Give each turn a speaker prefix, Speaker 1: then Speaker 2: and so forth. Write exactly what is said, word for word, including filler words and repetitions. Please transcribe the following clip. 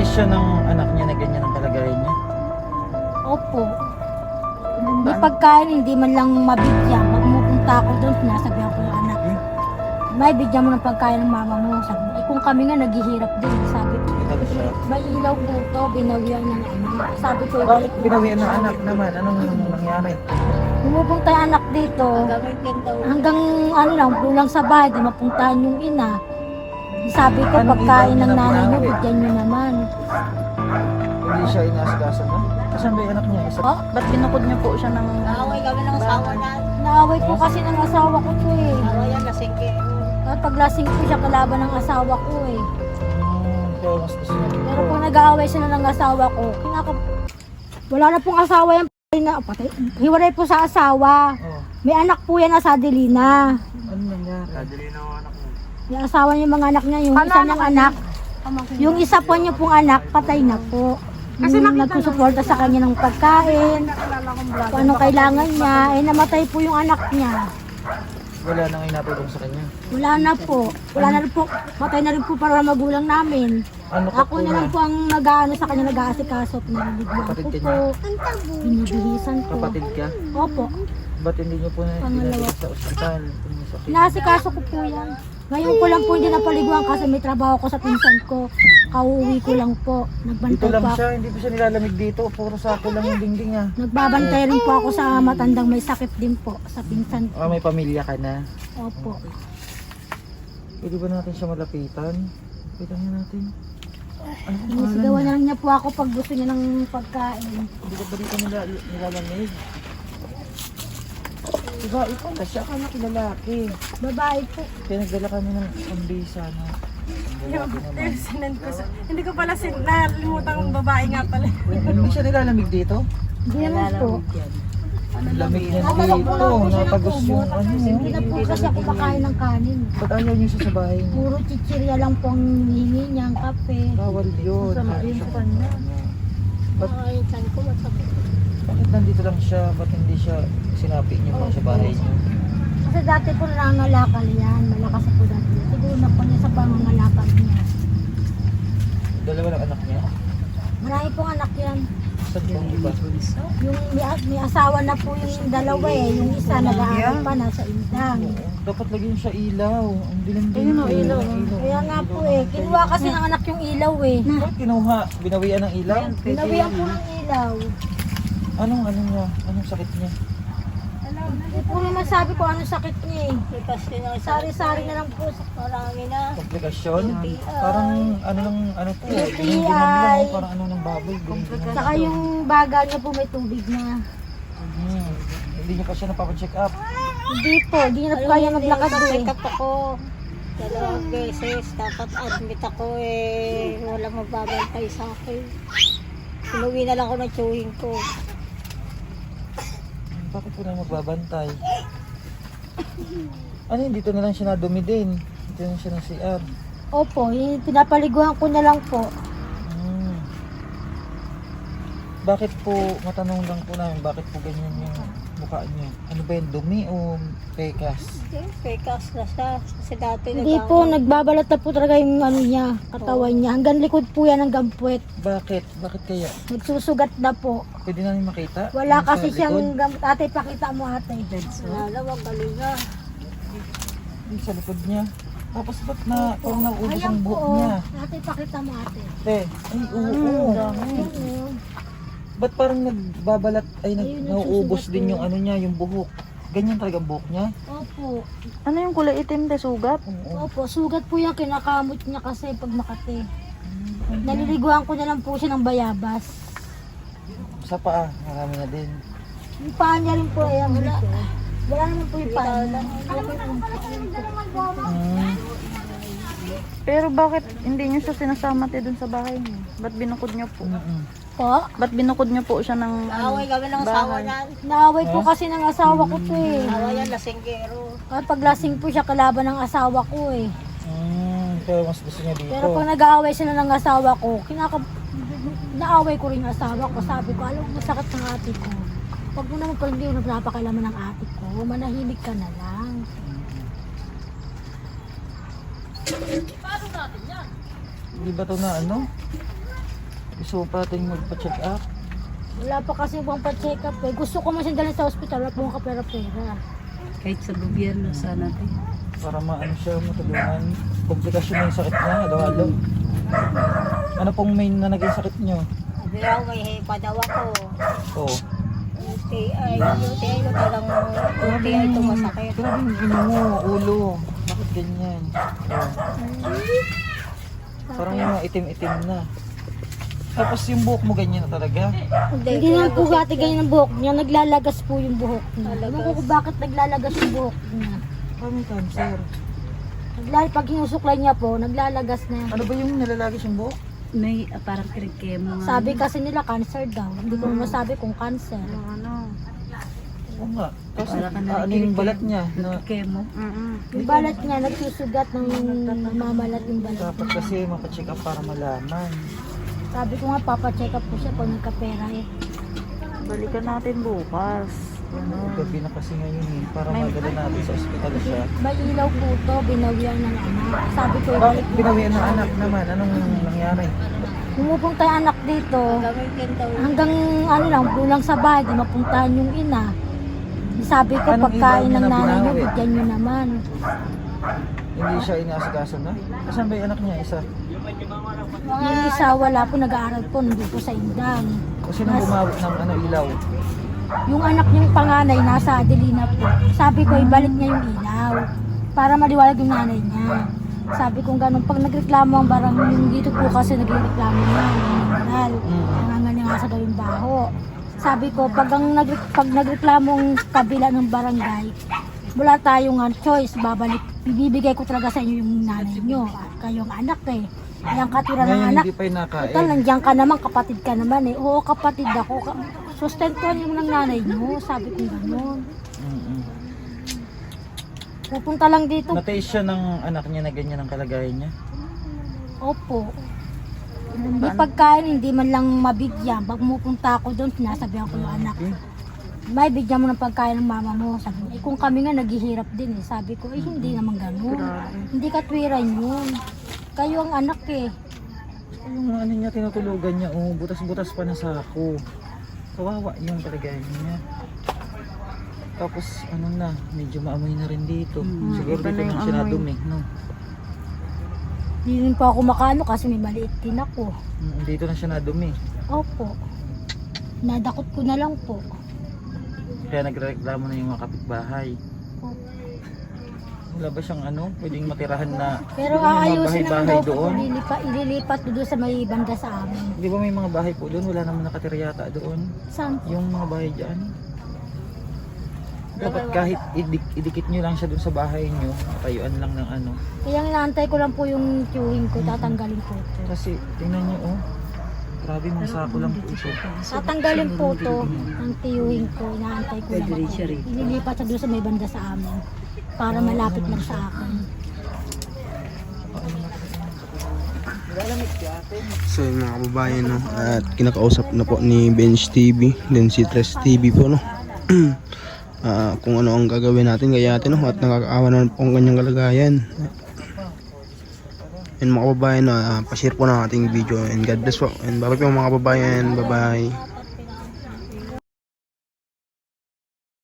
Speaker 1: siya ng anak niya na ganyan ang kalagayan niya?
Speaker 2: Opo. Hindi pagkain, hindi man lang mabigyan. Pag pumunta ako doon, sinasabihan ko yung anak.
Speaker 1: Hmm?
Speaker 2: May bigyan mo ng pagkain ng mama mo. Sabi, eh, kung kami nga naghihirap din, sabi ko,
Speaker 1: Ito siya.
Speaker 2: may ilaw po to, binawian ng anak. Sabi ko,
Speaker 1: Bakit binawian ng anak naman? Anong nangyari?
Speaker 2: pumupunta yung anak dito. Hanggang ano lang, pulang sa bahay, di mapuntahan yung ina. Sabi ko,
Speaker 1: Anong
Speaker 2: pagkain
Speaker 1: ilaw
Speaker 2: ng
Speaker 1: niya
Speaker 2: nanay mo,
Speaker 1: nabawi?
Speaker 2: bigyan nyo naman.
Speaker 1: Hindi siya inaasikaso na? Asan ba yung anak niya? Isa?
Speaker 2: Oh,
Speaker 3: Ba't binukod niyo po siya ng...
Speaker 4: Away kami ng asawa na.
Speaker 2: naaway po kasi ng asawa ko to eh.
Speaker 4: Away yan, lasing kayo.
Speaker 2: At paglasing po siya kalaban ng asawa ko eh.
Speaker 1: Hmm, kaya mas gusto niya dito.
Speaker 2: Pero kung nag-aaway sila ng asawa ko, kinaka... Wala na pong asawa yung patay na, patay. Hiwalay po sa asawa.
Speaker 1: Oh,
Speaker 2: May anak po yan na sa Adelina.
Speaker 1: ano nangyari?
Speaker 2: Yung asawa niya, yung mga anak niya, yung isa niyang anak. Yung isa po niya pong anak, patay na po. Yung nagsusuporta sa kanya ng pagkain, kung anong kailangan niya, eh namatay po yung anak niya.
Speaker 1: Wala nang inatulong sa kanya.
Speaker 2: Wala na po. Wala na rin po. Matay na rin po para magulang namin.
Speaker 1: Ano ka
Speaker 2: Ako na lang po ang nag-ano sa kanya, nag-aasikaso at naliliguan
Speaker 1: Kapatid
Speaker 2: ko
Speaker 1: ka
Speaker 2: po. Binibihisan ko.
Speaker 1: Kapatid ka?
Speaker 2: Opo.
Speaker 1: Ba't hindi niyo po na
Speaker 2: Pangalawa.
Speaker 1: dinadala sa ospital? Kung may sakit?
Speaker 2: Inaasikaso ko po yan. Ngayon ko lang po hindi napaliguan kasi may trabaho ko sa pinsan ko. Kauwi ko lang po.
Speaker 1: Dito
Speaker 2: Nagbantay
Speaker 1: lang
Speaker 2: pa.
Speaker 1: siya, hindi pa siya nilalamig dito. Puro sako lang yung dingding ah.
Speaker 2: Nagbabantay rin po ako sa matandang may sakit din po sa pinsan ko.
Speaker 1: Ah, may pamilya ka na.
Speaker 2: Opo.
Speaker 1: Pwede ba natin siya malapitan? Pwede nga natin. Ano kung pangalan
Speaker 2: Sinisigawan
Speaker 1: niya?
Speaker 2: na lang niya po ako pag gusto niya ng pagkain.
Speaker 1: Hindi ka ba dito nila, nilalamig? Diba, ikaw na siya, kaya lalaki.
Speaker 2: Babae po.
Speaker 1: Kaya nagdala kami ng pambisa na. Lalaki naman.
Speaker 3: Sinend ko sa... Hindi ko pala sin... Nalimutan kong babae nga pala.
Speaker 1: Hindi siya nilalamig dito?
Speaker 2: Hindi naman po.
Speaker 1: Ang lamig niya dito. Napagos yung ano.
Speaker 2: Hindi na po kasi ako makain ng kanin.
Speaker 1: Ba't ayaw niyo siya sa bahay niyo?
Speaker 2: Puro chichirya lang po ang hihingi niya, ang kape.
Speaker 1: Bawal yun.
Speaker 3: Masama yun sa kanya.
Speaker 1: Ba't,
Speaker 4: Ay, saan ko masakit.
Speaker 1: bakit nandito lang siya? Ba't hindi siya sinapi niyo mo sa bahay niyo?
Speaker 2: Kasi dati po nangangalakal yan. Malakas po dati. Siguro na po niya sa pangangalakal niya.
Speaker 1: Dalawa lang anak niya?
Speaker 2: Marami pong anak yan.
Speaker 1: Saan po ang iba?
Speaker 2: Yung may, may asawa na po yung dalawa eh. Yung isa nag-aaral pa nasa Indang.
Speaker 1: Oo. Dapat lagyan siya ilaw. Ang dilim-dilim.
Speaker 3: Ayun, oh,
Speaker 1: ko.
Speaker 3: ilaw.
Speaker 2: Kaya nga po eh. Kinuha kasi ng anak yung ilaw eh.
Speaker 1: Bakit kinuha? Binawian ng ilaw?
Speaker 2: Binawian po ng ilaw.
Speaker 1: Anong ano niya? Anong sakit niya?
Speaker 2: Hindi po naman sabi ko anong sakit niya eh.
Speaker 4: Lipas ko na sa
Speaker 2: Sari-sari na lang po.
Speaker 4: marami na.
Speaker 1: Komplikasyon?
Speaker 4: U T I.
Speaker 1: Parang ano ng ano po?
Speaker 2: U T I.
Speaker 1: Dinigdinan lang. Parang ano ng baboy. Dinigdinan.
Speaker 2: Saka yung baga niya po may tubig na.
Speaker 1: Hmm. Hindi niya pa siya napapacheck up.
Speaker 2: Hindi po, hindi na po kaya maglakad eh.
Speaker 4: Check up ako. Dalawang beses. Dapat admit ako eh. Walang magbabantay sa akin. Inuwi na lang ako ng chewing ko.
Speaker 1: Bakit po na magbabantay? Ano yun? Dito na lang siya nadumi din. Dito na lang siya ng C R.
Speaker 2: Opo, yung pinapaliguan ko na lang po.
Speaker 1: Hmm. Bakit po, matanong lang po namin, bakit po ganyan yung mukha niya? Ano ba yun, dumi o pekas?
Speaker 4: Okay, pekas na siya. Kasi dati
Speaker 2: Hindi po, nagbabalat na po talaga yung ano niya, katawan niya. Hanggang likod po yan ng gampuet.
Speaker 1: Bakit? Bakit kaya?
Speaker 2: Nagsusugat na po.
Speaker 1: Pwede namin makita?
Speaker 2: Wala
Speaker 1: Yung sa
Speaker 2: kasi siyang
Speaker 1: likod?
Speaker 2: gamot. Ate, pakita mo ate.
Speaker 4: Wala na, wag galing na.
Speaker 1: Yung sa likod niya. Tapos ba't na, parang nauubos
Speaker 2: Ayan
Speaker 1: ang
Speaker 2: po,
Speaker 1: buhok
Speaker 2: oh.
Speaker 1: niya?
Speaker 2: Ate, pakita mo ate.
Speaker 1: Te, ay oo, oo.
Speaker 2: Oo.
Speaker 1: Ba't parang nagbabalat, ay nag,
Speaker 2: Ayun,
Speaker 1: nauubos
Speaker 2: nagsusugat
Speaker 1: din
Speaker 2: po.
Speaker 1: yung ano niya, yung buhok. Ganyan talaga ang buhok niya?
Speaker 2: Opo.
Speaker 3: Ano yung kulay itim de sugat?
Speaker 1: Oo.
Speaker 2: Opo, sugat po yan. Kinakamot niya kasi pag makati. Naliliguan ko na lang po siya ng bayabas.
Speaker 1: Sa paa, marami na din.
Speaker 2: Yung paa niya rin po, ayan. Wala. Wala naman po yung paa niya.
Speaker 1: Hmm.
Speaker 3: Pero bakit hindi niyo siya sinasama te dun sa bahay niyo? Ba't binukod niyo po?
Speaker 1: Mm-mm.
Speaker 2: Po?
Speaker 3: Ba't binukod niyo po siya ng ano?
Speaker 4: Away kami ng asawa
Speaker 3: bahay?
Speaker 4: na.
Speaker 2: Naaway po kasi ng asawa ko to eh.
Speaker 4: Away yan, lasinggero.
Speaker 2: At paglasing po siya kalaban ng asawa ko eh.
Speaker 1: Hmm, kaya mas gusto niya dito.
Speaker 2: Pero pag nag-aaway sila ng asawa ko, kinaka... naaway ko rin yung asawa ko. Sabi ko, alam mo, masakit ng ate ko. Pag mo naman pala hindi mo nagpapakailaman ng ate ko, manahimik ka na lang.
Speaker 1: Di ba to na ano? Gusto mo pa ating magpa-check up?
Speaker 2: Wala pa kasi pang pa-check up eh. Gusto ko man siya dalhin sa ospital, wala pong kapera-pera.
Speaker 3: Kahit sa gobyerno sana tayo.
Speaker 1: Para maano siya, matulungan. Komplikasyon na yung sakit niya, halo-halo. Ano pong main na naging sakit niyo?
Speaker 4: Sabi ako, may hepa daw ako.
Speaker 1: Oo.
Speaker 4: U T I, U T I ko talagang U T I ito masakit.
Speaker 1: Grabe yung ino mo, ulo. Bakit ganyan? Oh. Parang yung mga itim-itim na. Tapos yung buhok mo ganyan na talaga.
Speaker 2: Hindi naman po gati ganyan ang buhok niya, naglalagas po yung buhok niya. Alam ko kung bakit naglalagas yung buhok niya.
Speaker 1: Parang may cancer.
Speaker 2: Naglal pag hinusuklay niya po, naglalagas na.
Speaker 1: Ano ba yung nalalagis yung buhok?
Speaker 3: May uh, parang kirikemo nga.
Speaker 2: Sabi kasi nila cancer daw. Hindi ko masabi kung cancer.
Speaker 3: Ano?
Speaker 1: Oo nga. Tapos
Speaker 3: Para ka na
Speaker 1: ah, ano yung balat niya? Na,
Speaker 3: Kirikemo. Mm
Speaker 2: Yung balat niya, nagsusugat ng mamalat yung balat
Speaker 1: dapat
Speaker 2: niya.
Speaker 1: kasi mapacheck up para malaman.
Speaker 2: Sabi ko nga, papacheck up ko siya pag nagkapera eh.
Speaker 3: Balikan natin bukas.
Speaker 1: Ano, gabi na kasi ngayon eh. Para madala natin sa ospital siya.
Speaker 2: May ilaw po to, binawian ng anak. Sabi ko,
Speaker 1: Bakit pinawian ng anak naman? Anong nangyari?
Speaker 2: pumupunta yung anak dito.
Speaker 4: Gamitin daw.
Speaker 2: Hanggang ano lang, bulang sa bahay, di mapuntahan yung ina. Sabi ko,
Speaker 1: Anong
Speaker 2: pagkain
Speaker 1: ilaw
Speaker 2: ng
Speaker 1: na
Speaker 2: nanay niyo,
Speaker 1: binawi?
Speaker 2: bigyan niyo naman.
Speaker 1: Hindi siya inaasikaso na? Asan ba yung anak niya? Isa?
Speaker 2: Yung isa, wala po, nag-aaral po, hindi po sa Indan.
Speaker 1: O sinong bumawi ng ano, ilaw?
Speaker 2: Yung anak niyang panganay, nasa Adelina po. Sabi ko, ibalik niya yung ilaw. Para maliwalag yung nanay niya. Sabi ko ganun, pag nagreklamo ang barang yung dito po kasi nagreklamo niya, nangangal. Nangangal niya nga sa gawing baho. Sabi ko, pag, ang nagre pag nagreklamo ang kabila ng barangay, wala tayong uh, choice, babalik. Bibigay ko talaga sa inyo yung nanay niyo. Kayong anak eh. Yung katira ng
Speaker 1: Ngayon
Speaker 2: anak.
Speaker 1: hindi pa yung nakain.
Speaker 2: Total, nandiyan ka naman, kapatid ka naman eh. Oo, kapatid ako. Ka sustentuhan niyo ng nanay niyo. Sabi ko gano'n.
Speaker 1: Mm-mm.
Speaker 2: Pupunta lang dito.
Speaker 1: Nataste siya ng anak niya na ganyan ang kalagayan niya.
Speaker 2: Opo. Hindi pagkain, hindi man lang mabigyan. Pag pupunta ako doon, sinasabihan ko yung anak.
Speaker 1: Okay.
Speaker 2: May bigyan mo ng pagkain ng mama mo. Sabi ko, eh, kung kami nga naghihirap din eh. Sabi ko, eh hindi naman gano'n. Hindi katwiran yun. Kayo ang anak eh.
Speaker 1: Yung ano niya, tinutulugan niya, oh, butas-butas pa na sako. Kawawa yung kalagayan niya. Tapos ano na, medyo maamoy na rin dito.
Speaker 3: Mm,
Speaker 1: Siguro
Speaker 3: iba
Speaker 1: dito
Speaker 3: na yung
Speaker 1: na siya
Speaker 3: amoy.
Speaker 1: nadumi, no?
Speaker 2: Hindi rin po ako makaano kasi may maliit din ako.
Speaker 1: Mm, Dito na siya nadumi.
Speaker 2: Opo. Nadakot ko na lang po.
Speaker 1: Kaya nagreklamo na yung mga kapitbahay.
Speaker 2: Opo.
Speaker 1: Wala ba siyang ano, pwedeng matirahan na
Speaker 2: Pero
Speaker 1: di ba may mga
Speaker 2: aayusin naman
Speaker 1: bahay-bahay
Speaker 2: daw po,
Speaker 1: doon?
Speaker 2: ililipat, ililipat doon sa may banda sa amin.
Speaker 1: Di ba may mga bahay po doon? Wala naman nakatira yata doon.
Speaker 2: Saan?
Speaker 1: Yung mga bahay dyan. Dapat kahit idik idikit nyo lang siya doon sa bahay nyo, matayuan lang ng ano.
Speaker 2: Kaya inaantay ko lang po yung queuing ko, tatanggalin ko ito.
Speaker 1: Kasi tingnan nyo oh, grabe mga sako lang po ito.
Speaker 2: Tatanggalin po ito ang tiyuhin ko, inaantay ko lang ako. Ililipat sa doon sa may banda sa amin para malapit lang sa akin.
Speaker 5: So yun mga kababayan, no? At kinakausap na po ni Bench T V, then si Tres T V po, no? Ah, kung ano ang gagawin natin kaya natin, no? At nakakaawa na po ang kanyang kalagayan. And mga kababayan, no? Uh, pa-share po ng ating video, and God bless po, and bye bye po mga kababayan, bye bye.